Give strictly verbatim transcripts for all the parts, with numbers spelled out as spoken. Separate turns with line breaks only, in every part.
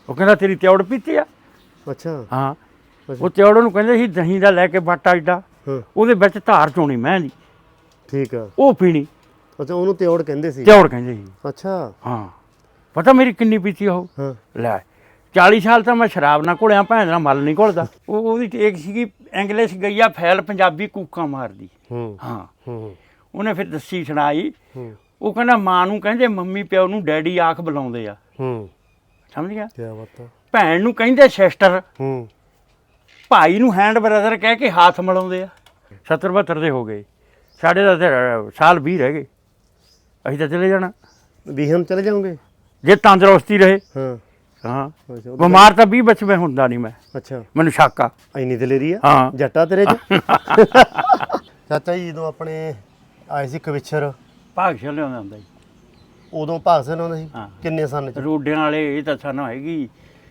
ਉਹ ਕਹਿੰਦਾ ਤੇਰੀ ਤਿਉੜ ਪੀਤੀ ਆ।
ਅੱਛਾ
ਹਾਂ ਉਹ ਤਿਉੜ ਨੂੰ ਕਹਿੰਦੇ ਸੀ ਦਹੀਂ ਦਾ ਲੈ ਕੇ ਬਾਟਾ ਏਡਾ ਉਹਦੇ ਵਿੱਚ ਧਾਰ ਚੋਣੀ ਮੈਂ ਦੀ।
ਠੀਕ ਆ
ਉਹ ਪੀਣੀ।
ਅੱਛਾ ਉਹਨੂੰ ਤਿਉੜ ਕਹਿੰਦੇ ਸੀ।
ਤਿਉੜ ਕਹਿੰਦੇ ਸੀ।
ਅੱਛਾ
ਹਾਂ ਪਤਾ ਮੇਰੀ ਕਿੰਨੀ ਪੀਤੀ ਉਹ।
ਹਾਂ
ਲੈ ਚਾਲੀ ਸਾਲ ਤਾਂ ਮੈਂ ਸ਼ਰਾਬ ਨਾਲ ਘੁਲਿਆ ਭੈਣ ਨਾਲ ਮਲ ਨਹੀਂ ਘੁਲਦਾ। ਉਹ ਉਹਦੀ ਟੇਕ ਸੀਗੀ ਇੰਗਲਿਸ਼ ਗਈਆ ਫੈਲ ਪੰਜਾਬੀ ਕੂਕਾਂ ਮਾਰਦੀ।
ਹੂੰ
ਹਾਂ
ਹੂੰ
ਉਹਨੇ ਫਿਰ ਦੱਸੀ ਸੁਣਾਈ।
ਹੂੰ
ਉਹ ਕਹਿੰਦਾ ਮਾਂ ਨੂੰ ਕਹਿੰਦੇ ਮੰਮੀ ਪਿਓ ਨੂੰ ਡੈਡੀ ਆਖ ਬੁਲਾਉਂਦੇ ਆ।
ਹੂੰ
ਸਮਝ ਗਿਆ।
ਕੀ ਬਾਤ ਆ।
ਭੈਣ ਨੂੰ ਕਹਿੰਦੇ ਸਿਸਟਰ।
ਹੂੰ
ਭਾਈ ਨੂੰ ਹੈਂਡ ਬ੍ਰਦਰ ਕਹਿ ਕੇ ਹੱਥ ਮਿਲਾਉਂਦੇ ਆ। ਸੱਤਰ ਬਹੱਤਰ ਦੇ ਹੋ ਗਏ ਸਾਡੇ ਦਾ ਤਾਂ ਸਾਲ ਵੀਹ ਰਹਿ ਗਏ। ਅਸੀਂ ਤਾਂ ਚਲੇ ਜਾਣਾ।
ਵੀਹਮ ਚਲੇ ਜਾਓਗੇ
ਜੇ ਤੰਦਰੁਸਤੀ ਰਹੇ।
ਹਾਂ
ਹਾਂ
ਅੱਛਾ
ਬਿਮਾਰ ਤਾਂ ਵੀਹ ਵਿੱਚ ਮੈਂ ਹੁੰਦਾ ਨਹੀਂ ਮੈਂ।
ਅੱਛਾ
ਮੈਨੂੰ ਸ਼ੱਕ ਆ।
ਇੰਨੀ ਦਲੇਰੀ ਆ
ਹਾਂ
ਜੱਟਾ ਤੇਰੇ ਚ। ਚਾਚਾ ਜੀ ਜਦੋਂ ਆਪਣੇ ਆਏ ਸੀ ਕਵਿਛਰ
ਭਾਗਸ਼ਾਲੀ ਲਿਆਉਂਦਾ ਹੁੰਦਾ ਜੀ।
ਉਦੋਂ ਭਾਗ ਸਿੰਘ ਆਉਂਦਾ ਸੀ
ਹਾਂ।
ਕਿੰਨੇ ਸਨ ਚ?
ਰੋਡਿਆਂ ਵਾਲੇ ਇਹ ਤਾਂ ਸਾਨੂੰ ਹੈਗੀ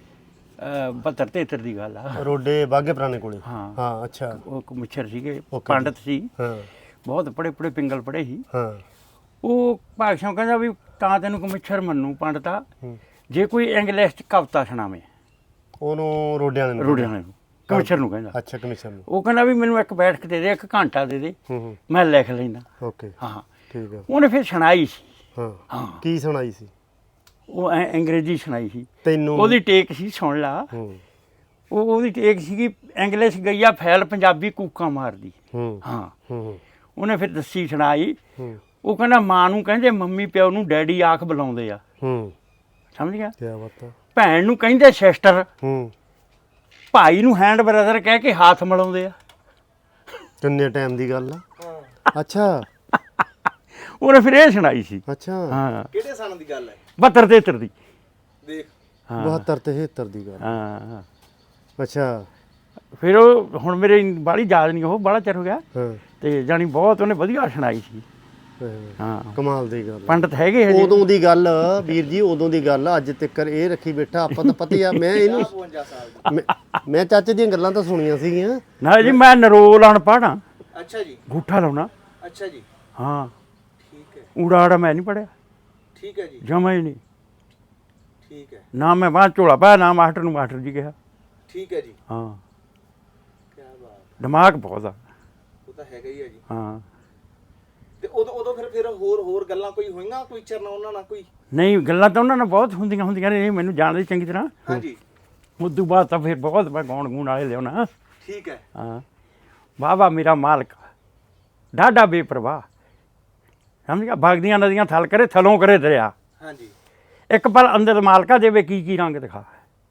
ਬਹੱਤਰ ਤੇਹੱਤਰ ਦੀ ਗੱਲ ਆ।
ਰੋਡੇ ਬਾਗੇ ਪੁਰਾਣੇ ਕੋਲੇ।
ਹਾਂ
ਹਾਂ ਅੱਛਾ
ਉਹ ਮੁੱਛਰ ਸੀਗੇ
Okay
ਪੰਡਤ ਸੀ।
ਹਾਂ
ਬਹੁਤ ਪੜੇ ਪੜੇ ਪਿੰਗਲ ਪੜੇ ਸੀ।
ਹਾਂ
ਉਹ ਭਾਗਸ਼ਾਂ ਕਹਿੰਦਾ ਵੀ ਤਾਂ ਤੈਨੂੰ ਕਮਿਸ਼ਰ ਮੰਨੂ ਪੰਡਤਾ
ਹੂੰ।
ਜੇ ਕੋਈ ਇੰਗਲਿਸ਼ ਚ ਕਵਿਤਾ ਸੁਣਾਵੇ।
ਉਹਨੂੰ ਰੋਡਿਆਂ ਵਾਲੇ ਨੂੰ
ਰੋਡਿਆਂ ਵਾਲੇ ਨੂੰ ਕਮਿਸ਼ਰ ਨੂੰ ਕਹਿੰਦਾ।
ਅੱਛਾ ਕਮਿਸ਼ਨ ਨੂੰ।
ਉਹ ਕਹਿੰਦਾ ਵੀ ਮੈਨੂੰ ਇੱਕ ਬੈਠਕ ਦੇ ਦੇ ਇੱਕ ਘੰਟਾ ਦੇ ਦੇ
ਹੂੰ ਹੂੰ
ਮੈਂ ਲਿਖ ਲੈਂਦਾ।
ਓਕੇ
ਹਾਂ
ਠੀਕ ਆ।
ਉਹਨੇ ਫਿਰ ਸੁਣਾਈ ਸੀ।
ਹਾਂ
ਹਾਂ
ਕੀ ਸੁਣਾਈ ਸੀ
ਉਹ ਐਂ ਅੰਗਰੇਜ਼ੀ ਸੁਣਾਈ ਸੀ।
ਤੈਨੂੰ?
ਉਹਦੀ ਟੇਕ ਸੀ ਸੁਣ ਲਾ।
ਹੂੰ
ਉਹ ਉਹਦੀ ਟੇਕ ਸੀਗੀ ਇੰਗਲਿਸ਼ ਗਈਆ ਫੈਲ ਪੰਜਾਬੀ ਕੂਕਾਂ ਮਾਰਦੀ।
ਹੂੰ
ਹਾਂ
ਹੂੰ
ਉਹਨੇ ਫਿਰ ਦੱਸੀ ਸੁਣਾਈ।
ਹੂੰ
ਉਹ ਕਹਿੰਦਾ ਮਾਂ ਨੂੰ ਕਹਿੰਦੇ ਮੰਮੀ ਪਿਓ ਨੂੰ ਡੈਡੀ ਆਖ ਬੁਲਾਉਂਦੇ ਆ।
ਹੂੰ
ਸਮਝ ਗਿਆ।
ਕੀ ਬਾਤ ਆ।
ਭੈਣ ਨੂੰ ਕਹਿੰਦੇ ਸਿਸਟਰ।
ਹੂੰ
ਭਾਈ ਨੂੰ ਹੈਂਡ ਬ੍ਰਦਰ ਕਹਿ ਕੇ ਹੱਥ ਮਿਲਾਉਂਦੇ ਆ।
ਕਿੰਨੇ ਟਾਈਮ ਦੀ ਗੱਲ ਆ। ਅੱਛਾ
ਉਹਨੇ ਫਿਰ ਇਹ ਸੁਣਾਈ ਸੀ।
ਅੱਛਾ
ਹਾਂ
ਕਿਹੜੇ ਸਾਲ ਦੀ ਗੱਲ ਹੈ?
ਬਹੱਤਰ ਤੇਹੱਤਰ ਦੀ।
ਦੇਖ
ਹਾਂ
ਬਹੱਤਰ ਤੇਹੱਤਰ ਦੀ ਗੱਲ।
ਹਾਂ ਹਾਂ।
ਅੱਛਾ
ਫਿਰ ਉਹ ਹੁਣ ਮੇਰੇ ਬਾਹਲੀ ਯਾਦ ਨਹੀਂ ਉਹ ਬਾਹਲਾ ਚਿਰ ਹੋ ਗਿਆ
ਹਾਂ
ਤੇ ਜਾਣੀ ਬਹੁਤ ਉਹਨੇ ਵਧੀਆ ਸੁਣਾਈ ਸੀ।
ਹਾਂ,
ਹਾਂ
ਕਮਾਲ ਦੀ ਗੱਲ ਆ।
ਪੰਡਤ ਹੈਗੇ ਹਜੇ।
ਉਦੋਂ ਦੀ ਗੱਲ ਵੀਰ ਜੀ ਉਦੋਂ ਦੀ ਗੱਲ ਅੱਜ ਤੱਕ ਇਹ ਰੱਖੀ ਬੈਠਾ ਆਪਾਂ ਤਾਂ ਪਤਾ ਹੀ ਆ। ਮੈਂ ਇਹਨੂੰ
ਬਵੰਜਾ ਸਾਲ ਦੀ।
ਮੈਂ- ਮੈਂ ਚਾਚੇ ਦੀਆਂ ਗੱਲਾਂ ਤਾਂ ਸੁਣੀਆਂ ਸੀਗੀਆਂ।
ਨਾ ਜੀ ਮੈਂ ਨਰੋਲ ਅਨਪੜ੍ਹ ਹਾਂ।
ਅੱਛਾ ਜੀ
ਗੂਠਾ ਲਾਉਣਾ।
ਅੱਛਾ ਜੀ
ਹਾਂ
ਠੀਕ ਹੈ
ਊੜਾ ਆੜਾ ਮੈਂ ਨਹੀਂ ਪੜਿਆ
ਠੀਕ ਹੈ ਜੀ
ਜਮਾ ਹੀ ਨਹੀਂ।
ਠੀਕ ਹੈ
ਨਾ ਮੈਂ ਬਾਹਰ ਝੋਲਾ ਪਾਇਆ ਨਾ ਮਾਸਟਰ ਨੂੰ ਮਾਸਟਰ ਜੀ ਕਿਹਾ।
ਠੀਕ ਹੈ ਜੀ
ਹਾਂ
ਕੀ ਬਾਤ।
ਦਿਮਾਗ ਬਹੁਤ ਆ।
ਉਹ ਤਾਂ ਹੈਗਾ ਹੀ ਹੈ ਜੀ।
ਹਾਂ
ਤੇ ਉਦੋਂ ਉਦੋਂ ਫਿਰ ਫਿਰ ਹੋਰ ਹੋਰ ਗੱਲਾਂ ਕੋਈ ਹੋਈਆਂ ਕੋਈ ਚਰਨਾ ਉਹਨਾਂ ਨਾਲ ਕੋਈ?
ਨਹੀਂ ਗੱਲਾਂ ਤਾਂ ਉਹਨਾਂ ਨਾਲ ਬਹੁਤ ਹੁੰਦੀਆਂ ਹੁੰਦੀਆਂ ਨੇ ਇਹ ਮੈਨੂੰ ਜਾਣਦੇ ਚੰਗੀ ਤਰ੍ਹਾਂ।
ਹਾਂਜੀ
ਉਦੋਂ ਬਾਅਦ ਤਾਂ ਫਿਰ ਬਹੁਤ ਮੈਂ ਗਾਉਣ ਗੂਣ ਵਾਲੇ ਲਿਆਉਣਾ।
ਠੀਕ ਹੈ
ਹਾਂ ਵਾਹ ਮੇਰਾ ਮਾਲਕ ਡਾਢਾ ਬੇਪਰਵਾਹ। ਸਮਝ ਗਿਆ। ਵਗਦੀਆਂ ਨਦੀਆਂ ਥਲ ਕਰੇ ਥਲੋਂ ਕਰੇ ਦਰਿਆ।
ਹਾਂਜੀ
ਇੱਕ ਪਲ ਅੰਦਰ ਮਾਲਕਾ ਦੇਵੇ ਕੀ ਕੀ ਰੰਗ ਦਿਖਾ।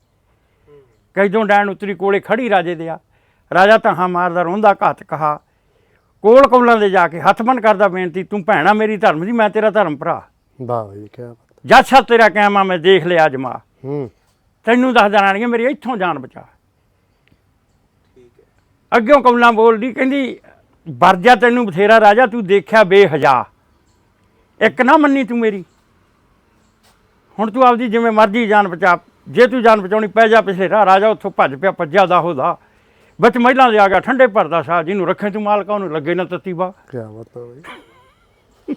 ਕੈਦੋਂ ਡੈਣ ਉਤਰੀ ਕੋਲੇ ਖੜੀ ਰਾਜੇ ਦਿਆ ਰਾਜਾ ਤਹਾਂ ਮਾਰਦਾ ਰੋਂਦਾ ਘਾਤ ਕਹਾ। ਕੋਲ ਕੌਲਾਂ ਦੇ ਜਾ ਕੇ ਹੱਥ ਬੰਨ ਕਰਦਾ ਬੇਨਤੀ ਤੂੰ ਭੈਣਾ ਮੇਰੀ ਧਰਮ ਦੀ ਮੈਂ ਤੇਰਾ ਧਰਮ ਭਰਾ।
ਵਾਹ ਜੀ ਕੀ ਬਾਤ।
ਜੱਜ ਸਾਹਿਬ ਤੇਰਾ ਕਹਿਮਾ ਮੈਂ ਦੇਖ ਲਿਆ ਅਜਮਾ।
ਹੂੰ
ਤੈਨੂੰ ਦੱਸ ਦੇਣਾ ਮੇਰੀ ਇੱਥੋਂ ਜਾਨ ਬਚਾ।
ਠੀਕ ਹੈ
ਅੱਗਿਓਂ ਕੌਲਾਂ ਬੋਲਦੀ ਕਹਿੰਦੀ ਵਰਜਾ ਤੈਨੂੰ ਬਥੇਰਾ ਰਾਜਾ ਤੂੰ ਦੇਖਿਆ ਬੇਹਜਾ। ਇੱਕ ਨਾ ਮੰਨੀ ਤੂੰ ਮੇਰੀ ਹੁਣ ਤੂੰ ਆਪਦੀ ਜਿਵੇਂ ਮਰਜ਼ੀ ਜਾਨ ਬਚਾ। ਜੇ ਤੂੰ ਜਾਨ ਬਚਾਉਣੀ ਪੈ ਜਾ ਪਿਛਲੇ ਰਾਹ। ਰਾਜਾ ਉੱਥੋਂ ਭੱਜ ਪਿਆ ਭੱਜਿਆ ਦਾ ਹੋਦਾ ਵਿੱਚ ਮਹਿਲਾਂ ਦੇ ਆ ਗਿਆ ਠੰਡੇ ਭਰਦਾ ਸਾਹ ਜਿਹਨੂੰ ਰੱਖੇ ਤੂੰ ਮਾਲਕਾ ਉਹਨੂੰ ਲੱਗੇ ਨਾ ਤੱਤੀ ਬਾ।
ਕੀ ਬਾਤ ਆ ਬਈ।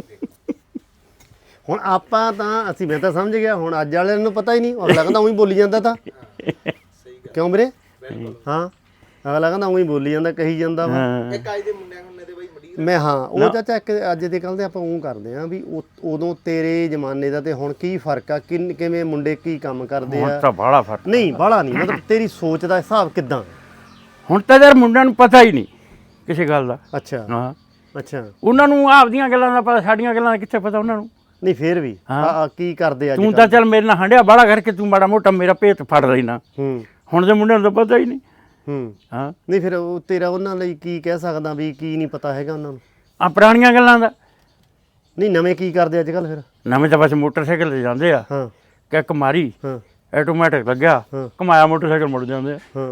ਹੁਣ ਆਪਾਂ ਤਾਂ ਅਸੀਂ ਮੈਂ ਤਾਂ ਸਮਝ ਗਿਆ। ਹੁਣ ਅੱਜ ਵਾਲਿਆਂ ਨੂੰ ਪਤਾ ਹੀ ਨਹੀਂ। ਅਗਲਾ ਕਹਿੰਦਾ ਉਹੀ ਬੋਲੀ ਜਾਂਦਾ ਤਾਂ
ਸਹੀ ਗੱਲ
ਕਿਉਂ ਵੀਰੇ?
ਬਿਲਕੁਲ।
ਹਾਂ ਅਗਲਾ ਕਹਿੰਦਾ ਉਹੀ ਬੋਲੀ ਜਾਂਦਾ ਕਹੀ ਜਾਂਦਾ ਵਾ।
ਇੱਕ ਅੱਜ ਦੇ ਮੁੰਡਿਆਂ ਹੁੰਨੇ ਤੇ ਬਈ ਮੜੀ
ਮੈਂ ਹਾਂ ਉਹ ਚਾਚਾ ਇੱਕ ਅੱਜ ਦੇ ਕੱਲ ਦੇ ਆਪਾਂ ਉਹ ਕਰਦੇ ਆ ਵੀ ਉਹ- ਉਦੋਂ ਤੇਰੇ ਜ਼ਮਾਨੇ ਦਾ ਤੇ ਹੁਣ ਕੀ ਫਰਕ ਆ? ਕਿੰਨ ਕਿਵੇਂ ਮੁੰਡੇ ਕੀ ਕੰਮ ਕਰਦੇ
ਹੁਣ
ਆ?
ਤਾਂ ਬਾਹਲਾ ਫਰਕ।
ਨਹੀਂ ਬਾਹਲਾ ਨਹੀਂ ਮਤਲਬ ਤੇਰੀ ਸੋਚ ਦਾ ਹਿਸਾਬ ਕਿਦਾਂ?
ਹੁਣ ਤਾਂ ਯਾਰ ਮੁੰਡਿਆਂ ਨੂੰ ਪਤਾ ਹੀ ਨਹੀਂ ਕਿਸੇ ਗੱਲ ਦਾ।
ਅੱਛਾ
ਹਾਂ
ਅੱਛਾ
ਉਹਨਾਂ ਨੂੰ ਆਪਦੀਆਂ ਗੱਲਾਂ ਦਾ ਪਤਾ ਸਾਡੀਆਂ ਗੱਲਾਂ ਦਾ ਕਿੱਥੇ ਪਤਾ ਉਹਨਾਂ ਨੂੰ।
ਨਹੀਂ ਫੇਰ ਵੀ
ਹਾਂ।
ਆ ਆ ਕੀ ਕਰਦੇ ਅੱਜ
ਤੂੰ ਤਾਂ ਚੱਲ ਮੇਰੇ ਨਾਲ ਹੰਡਿਆ ਬਾਹਲਾ ਕਰਕੇ ਤੂੰ ਮਾੜਾ ਮੋਟਾ ਮੇਰਾ ਭੇਤ ਫੜ ਲੈਣਾ।
ਹੂੰ
ਹੁਣ ਦੇ ਮੁੰਡਿਆਂ ਨੂੰ ਤਾਂ ਪਤਾ ਹੀ ਨਹੀਂ।
ਹੂੰ
ਹਾਂ
ਨਹੀਂ ਫਿਰ ਉਹ ਤੇਰਾ ਉਹਨਾਂ ਲਈ ਕੀ ਕਹਿ ਸਕਦਾ ਵੀ ਕੀ ਨਹੀਂ ਪਤਾ ਹੈਗਾ ਉਹਨਾਂ ਨੂੰ?
ਆ ਪੁਰਾਣੀਆਂ ਗੱਲਾਂ ਦਾ।
ਨਹੀਂ ਨਵੇਂ ਕੀ ਕਰਦੇ ਅੱਜ ਕੱਲ ਫਿਰ?
ਨਵੇਂ ਤਾਂ ਬਸ ਮੋਟਰਸਾਈਕਲ ਤੇ ਜਾਂਦੇ ਆ।
ਹਾਂ
ਕਿੱਕ ਮਾਰੀ
ਹਾਂ
ਆਟੋਮੈਟਿਕ ਲੱਗਿਆ
ਹਾਂ।
ਘਮਾਇਆ ਮੋਟਰਸਾਈਕਲ ਮੁੜ ਜਾਂਦੇ ਆ।
ਹਾਂ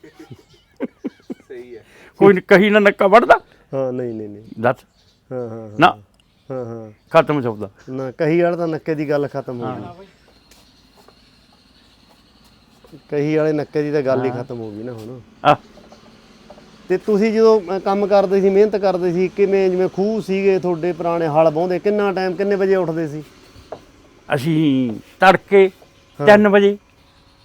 ਸਹੀ ਹੈ
ਕੋਈ ਨੀ- ਕਹੀ ਨਾ ਨੱਕਾ ਵੜਦਾ
ਹਾਂ ਨਹੀਂ ਨਹੀਂ ਨਹੀਂ
ਦੱਸ
ਹਾਂ ਹਾਂ
ਨਾ
ਹਾਂ ਹਾਂ
ਖਤਮ ਸੌਦਾ।
ਨਾ ਕਹੀ ਵਾਲਾ ਤਾਂ ਨੱਕੇ ਦੀ ਗੱਲ ਖਤਮ ਹੋ ਗਈ। ਕਹੀ ਵਾਲੇ ਨੱਕੇ ਦੀ ਤਾਂ ਗੱਲ ਹੀ ਖਤਮ ਹੋ ਗਈ ਨਾ ਹੁਣ।
ਆ
ਤੇ ਤੁਸੀਂ ਜਦੋਂ ਅ, ਕੰਮ ਕਰਦੇ ਸੀ ਮਿਹਨਤ ਕਰਦੇ ਸੀ ਕਿਵੇਂ ਜਿਵੇਂ ਖੂਹ ਸੀਗੇ ਤੁਹਾਡੇ ਪੁਰਾਣੇ ਹਲ ਵਾਹੁੰਦੇ ਕਿੰਨਾ ਟਾਈਮ ਕਿੰਨੇ ਵਜੇ ਉੱਠਦੇ ਸੀ?
ਅਸੀਂ ਤੜਕੇ ਤਿੰਨ ਵਜੇ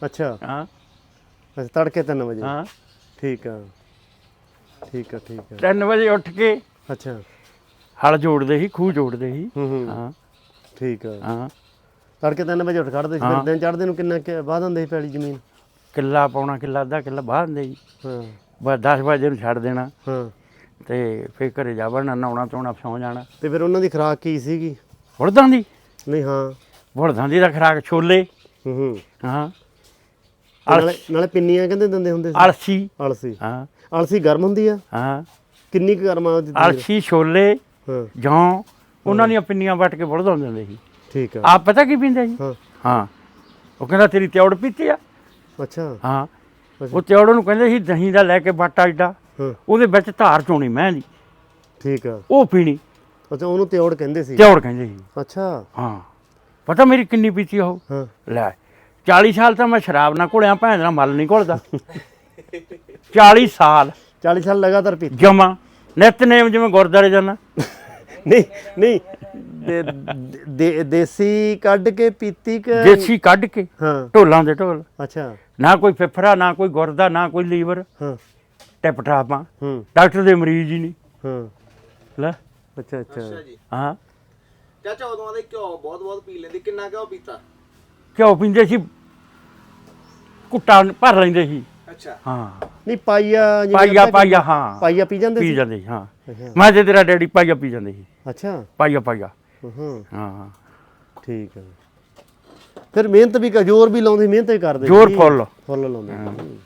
ਅੱਛਾ
ਹਾਂ
ਅੱਛਾ ਤੜਕੇ ਤਿੰਨ ਵਜੇ
ਹਾਂ
ਠੀਕ ਆ ਠੀਕ ਆ ਠੀਕ ਆ
ਤਿੰਨ ਵਜੇ ਉੱਠ ਕੇ
ਅੱਛਾ
ਹਲ ਜੋੜਦੇ ਸੀ ਖੂਹ ਜੋੜਦੇ ਸੀ
ਹੂੰ ਹੂੰ
ਹਾਂ
ਠੀਕ ਆ
ਹਾਂ
ਤੜਕੇ ਤਿੰਨ ਵਜੇ ਉੱਠ ਖੜਦੇ ਸੀ ਫਿਰ
ਹਾਂ।
ਦਿਨ ਚੜ੍ਹਦੇ ਨੂੰ ਕਿੰਨਾ ਕੁ ਵਾਹ ਦਿੰਦੇ ਸੀ ਪੈਲੀ ਜ਼ਮੀਨ
ਕਿੱਲਾ ਪਾਉਣਾ ਕਿੱਲਾ ਅੱਧਾ ਕਿੱਲਾ ਬਾਹਰ ਦਿੰਦੇ ਜੀ
ਹਾਂ
ਬਸ ਦਸ ਵਜੇ ਨੂੰ ਛੱਡ ਦੇਣਾ
ਹਾਂ
ਤੇ ਫਿਰ ਘਰੇ ਜਾ ਵੜਨਾ ਨਹਾਉਣਾ ਧੋਣਾ ਸੌਂ ਜਾਣਾ
ਤੇ ਫਿਰ ਉਹਨਾਂ ਦੀ ਖੁਰਾਕ ਕੀ ਸੀਗੀ
ਬੁਲਦਾਂ ਦੀ
ਨਹੀਂ ਹਾਂ
ਬੁਲਦਾਂ ਦੀ ਦਾ ਖਰਾਕ ਛੋਲੇ
ਹੂੰ ਹੂੰ
ਹਾਂ
ਨਾਲੇ ਨਾਲੇ ਪਿੰਨੀਆਂ ਕਹਿੰਦੇ ਦਿੰਦੇ ਹੁੰਦੇ ਸੀ
ਅਲਸੀ
ਅਲਸੀ
ਹਾਂ
ਅਲਸੀ ਗਰਮ ਹੁੰਦੀ ਆ
ਹਾਂ
ਕਿੰਨੀ ਕੁ ਗਰਮ ਆ ਉਹਦੀ ਤਸੀਰ?
ਅਲਸੀ ਛੋਲੇ
ਹਾਂ
ਜੌਂ ਉਹਨਾਂ ਦੀਆਂ ਪਿੰਨੀਆਂ ਵੱਟ ਕੇ ਬੁਲਦਾਂ ਦਿੰਦੇ ਸੀ
ਠੀਕ ਆ
ਆਪ ਪਤਾ ਕੀ ਪੀਂਦੇ ਜੀ
ਹਾਂ
ਹਾਂ ਉਹ ਕਹਿੰਦਾ ਤੇਰੀ ਤਿਉੜ ਪੀਤੀ ਆ
ਅੱਛਾ
ਹਾਂ
ਅੱਛਾ।
ਉਹ ਤਿਉੜ ਨੂੰ ਕਹਿੰਦੇ ਸੀ ਦਹੀਂ ਦਾ ਲੈ ਕੇ ਬਾਟਾ ਏਡਾ
ਹਾਂ
ਉਹਦੇ ਵਿੱਚ ਧਾਰ ਚੋਣੀ ਮੈਂ ਦੀ
ਠੀਕ ਆ
ਉਹ ਪੀਣੀ
ਅੱਛਾ ਉਹਨੂੰ ਤਿਉੜ ਕਹਿੰਦੇ ਸੀ
ਤਿਉੜ ਕਹਿੰਦੇ ਸੀ
ਅੱਛਾ
ਹਾਂ ਪਤਾ ਮੇਰੀ ਕਿੰਨੀ ਪੀਤੀ ਉਹ
ਹਾਂ
ਲੈ ਚਾਲੀ ਸਾਲ ਤਾਂ ਮੈਂ ਸ਼ਰਾਬ ਨਾ ਘੁਲਿਆ ਭੈਣ ਦਾ ਮਲ ਨਹੀਂ ਘੁਲਦਾ ਚਾਲੀ ਸਾਲ
ਚਾਲੀ ਸਾਲ ਲਗਾਤਾਰ ਪੀਤੀ
ਜਮਾ ਨਿਤਨੇਮ ਜਿਵੇਂ ਗੁਰਦਾਰੇ ਜਾਣਾ
ਨਹੀਂ ਨਹੀਂ ਦੇ- ਦੇ- ਦੇਸੀ ਕੱਢ ਕੇ ਪੀਤੀ ਕਿ
ਦੇਸੀ ਕੱਢ ਕੇ
ਹਾਂ
ਢੋਲਾਂ ਦੇ ਢੋਲ
ਅੱਛਾ
ਨਾ ਕੋਈ ਫਿਫਰਾ ਨਾ ਕੋਈ ਗੁਰਦਾ ਨਾ ਕੋਈ ਲੀਵਰ
ਹਾਂ
ਟਿਪ ਟਾਪਾਂ
ਹੂੰ
ਡਾਕਟਰ ਦੇ ਮਰੀਜ਼ ਹੀ ਨਹੀਂ
ਹਾਂ
ਲੈ
ਅੱਛਾ ਅੱਛਾ
ਅੱਛਾ ਜੀ
ਹਾਂ
ਚਾਚਾ ਉਦੋਂ ਆਦੇ ਘਿਓ ਬਹੁਤ ਬਹੁਤ ਪੀ ਲੈਂਦੇ ਕਿੰਨਾ ਘਿਓ ਪੀਤਾ
ਘਿਓ ਪੀਂਦੇ ਸੀ ਕੁੱਟਾ ਭਰ ਲੈਂਦੇ ਸੀ
ਅੱਛਾ
ਹਾਂ
ਨਹੀਂ ਪਾਈਆ ਜਿਵੇਂ
ਪਾਈਆ
ਆਪਾਂ
ਪਾਈਆ ਹਾਂ
ਪਾਈਆ ਪੀ ਜਾਂਦੇ
ਪੀ
ਸੀ
ਜਾਂਦੇ ਸੀ ਹਾਂ
ਅੱਛਾ
ਮੈਂ ਤੇ ਤੇਰਾ ਡੈਡੀ ਪਾਈਆ ਪੀ ਜਾਂਦੇ ਸੀ
ਅੱਛਾ
ਪਾਈਆ ਪਾਈਆ
ਹਾਂ
ਹਾਂ
ਠੀਕ ਹੈ ਫਿਰ ਮਿਹਨਤ ਵੀ ਕਰ ਜ਼ੋਰ ਵੀ ਲਾਉਂਦੇ ਮਿਹਨਤ ਵੀ ਕਰਦੇ
ਜ਼ੋਰ
ਸੀ।
ਫੁੱਲ
ਫੁੱਲ ਲਾਉਂਦੇ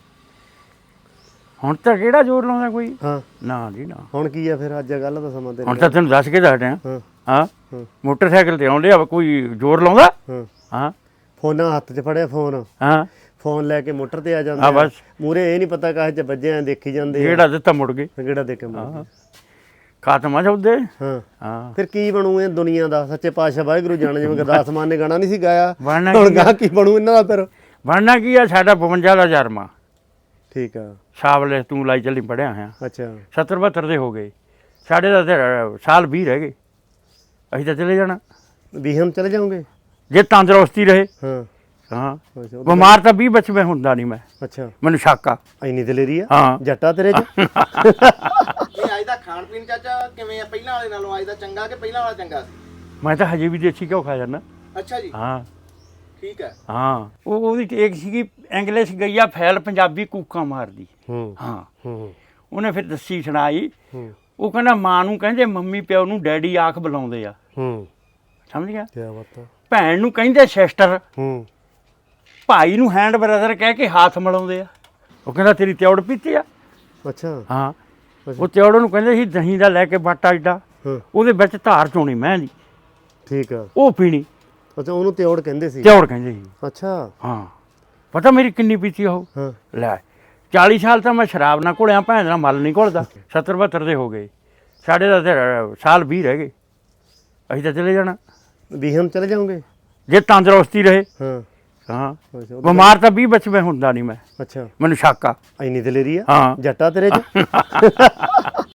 ਹੁਣ ਤਾਂ ਕਿਹੜਾ ਜ਼ੋਰ ਲਾਉਂਦਾ ਕੋਈ
ਹਾਂ
ਨਾ ਜੀ ਨਾ
ਹੁਣ ਕੀ ਆ ਫਿਰ ਅੱਜ ਗੱਲ ਦਾ ਸਮਾਂ ਤੇ
ਹੁਣ ਤਾਂ ਤੈਨੂੰ ਦੱਸ ਕੇ ਦੱਸਦੇ ਆ
ਹਾਂ
ਹਾਂ
ਹਾਂ।
ਮੋਟਰਸਾਈਕਲ ਤੇ ਆਉਂਦੇ ਆ ਕੋਈ ਜ਼ੋਰ ਲਾਉਂਦਾ
ਹਾਂ
ਹਾਂ
ਫੋਨਾਂ ਹੱਥ 'ਚ ਫੜਿਆ ਫੋਨ
ਹਾਂ
ਫੋਨ ਲੈ ਕੇ ਮੋਟਰ ਤੇ ਆ ਜਾਂਦੇ
ਆ ਬਸ
ਮੂਰੇ ਇਹ ਨਹੀਂ ਪਤਾ ਕਾਹ 'ਚ ਵੱਜੇ ਆ ਦੇਖੀ ਜਾਂਦੇ ਆ
ਜਿਹੜਾ ਦਿੱਤਾ ਮੁੜ ਗਏ
ਕਿਹੜਾ ਦੇ ਕੇ ਮੁੜ
ਖਾਤਮਾ ਚੌਦੇ
ਹਾਂ
ਹਾਂ
ਫਿਰ ਕੀ ਬਣੂ ਇਹ ਦੁਨੀਆ ਦਾ ਸੱਚੇ ਪਾਤਸ਼ਾਹ ਵਾਹਿਗੁਰੂ ਜਾਣੇ ਜਿਵੇਂ ਗੁਰਦਾਸ ਮਾਨ ਨੇ ਗਾਣਾ ਨਹੀਂ ਸੀ ਗਾਇਆ
ਬਣਨਾ
ਹੁਣ
ਕੀ
ਗਾ ਕੀ ਬਣੂ ਇਹਨਾਂ ਦਾ ਫਿਰ
ਬਣਨਾ ਕੀ ਆ ਸਾਡਾ ਬਵੰਜਾ ਦਾ ਜਰਮਾ
ਠੀਕ ਆ
ਸਾਵਲੇ ਤੂੰ ਲਾਈ ਚੱਲੀ ਪੜਿਆ ਹੋਇਆ
ਅੱਛਾ
ਸੱਤਰ ਬਹੱਤਰ ਦੇ ਹੋ ਗਏ ਸਾਡੇ ਦਾ ਤੇ ਸਾਲ ਵੀਹ ਰਹਿ ਗਏ ਅਸੀਂ ਤਾਂ ਚਲੇ ਜਾਣਾ
ਵੀ ਹਮ ਚਲੇ ਜਾਓਗੇ
ਜੇ ਤੰਦਰੁਸਤੀ ਰਹੇ
ਹਾਂ
ਹਾਂ
ਅੱਛਾ
ਬਿਮਾਰ ਤਾਂ ਵੀਹ ਵਿੱਚ ਮੈਂ ਹੁੰਦਾ ਨਹੀਂ ਮੈਂ
ਅੱਛਾ
ਮੈਨੂੰ ਸ਼ੱਕ ਆ
ਇੰਨੀ ਦਲੇਰੀ ਆ
ਹਾਂ
ਜੱਟਾ ਤੇਰੇ ਚ
ਇਹ ਅੱਜ ਦਾ ਖਾਣ ਪੀਣ ਚਾਚਾ ਕਿਵੇਂ ਆ ਪਹਿਲਾਂ ਵਾਲੇ ਨਾਲੋਂ ਅੱਜ ਦਾ ਚੰਗਾ ਕਿ ਪਹਿਲਾਂ ਵਾਲਾ ਚੰਗਾ ਸੀ
ਮੈਂ ਤਾਂ ਹਜੇ ਵੀ ਦੇਸੀ ਘਿਓ ਖਾ ਜਾਂਦਾ
ਅੱਛਾ ਜੀ
ਹਾਂ
ਠੀਕ ਹੈ
ਹਾਂ ਉਹ ਉਹਦੀ ਇੱਕ ਸੀਗੀ ਇੰਗਲਿਸ਼ ਗਈ ਆ ਫੈਲ ਪੰਜਾਬੀ ਕੂਕਾਂ ਮਾਰਦੀ
ਹੂੰ
ਹਾਂ
ਹੂੰ
ਉਹਨੇ ਫਿਰ ਦੱਸੀ ਸੁਣਾਈ
ਹੂੰ
ਉਹ ਕਹਿੰਦਾ ਮਾਂ ਨੂੰ ਕਹਿੰਦੇ ਮੰਮੀ ਪਿਓ ਨੂੰ ਡੈਡੀ ਆਖ ਬੁਲਾਉਂਦੇ ਆ
ਹੂੰ
ਸਮਝ ਗਿਆ
ਕੀ ਬਾਤ ਆ
ਭੈਣ ਨੂੰ ਕਹਿੰਦੇ ਸਿਸਟਰ
ਹੂੰ
ਭਾਈ ਨੂੰ ਹੈਂਡ ਬ੍ਰਦਰ ਕਹਿ ਕੇ ਹੱਥ ਮਿਲਾਉਂਦੇ ਆ ਉਹ ਕਹਿੰਦਾ ਤੇਰੀ ਤਿਉੜ ਪੀਤੀ ਆ
ਅੱਛਾ
ਹਾਂ
ਅੱਛਾ।
ਉਹ ਤਿਉੜ ਨੂੰ ਕਹਿੰਦੇ ਸੀ ਦਹੀਂ ਦਾ ਲੈ ਕੇ ਬਾਟਾ ਏਡਾ
ਹਾਂ
ਉਹਦੇ ਵਿੱਚ ਧਾਰ ਚੋਣੀ ਮੈਂ ਦੀ
ਠੀਕ ਆ
ਉਹ ਪੀਣੀ
ਅੱਛਾ ਉਹਨੂੰ ਤਿਉੜ ਕਹਿੰਦੇ ਸੀ
ਤਿਉੜ ਕਹਿੰਦੇ ਸੀ
ਅੱਛਾ
ਹਾਂ ਪਤਾ ਮੇਰੀ ਕਿੰਨੀ ਪੀਤੀ ਉਹ
ਹਾਂ
ਲੈ ਚਾਲੀ ਸਾਲ ਤਾਂ ਮੈਂ ਸ਼ਰਾਬ ਨਾ ਘੁਲਿਆ ਭੈਣ ਦਾ ਮਲ ਨਹੀਂ ਘੁਲਦਾ ਸੱਤਰ ਬਹੱਤਰ ਦੇ ਹੋ ਗਏ ਸਾਡੇ ਦਾ ਤੇ ਸਾਲ ਵੀਹ ਰਹਿ ਗਏ ਅਸੀਂ ਤਾਂ ਚਲੇ ਜਾਣਾ
ਵੀ ਹਮ ਚਲੇ ਜਾਓਗੇ
ਜੇ ਤੰਦਰੁਸਤੀ ਰਹੇ
ਹਾਂ
ਹਾਂ
ਅੱਛਾ ਉਹ-
ਬਿਮਾਰ ਤਾਂ ਵੀਹ ਵਿੱਚ ਮੈਂ ਹੁੰਦਾ ਨਹੀਂ ਮੈਂ
ਅੱਛਾ
ਮੈਨੂੰ ਸ਼ੱਕ ਆ
ਇੰਨੀ ਦਲੇਰੀ ਆ
ਹਾਂ
ਜੱਟਾ ਤੇਰੇ ਚ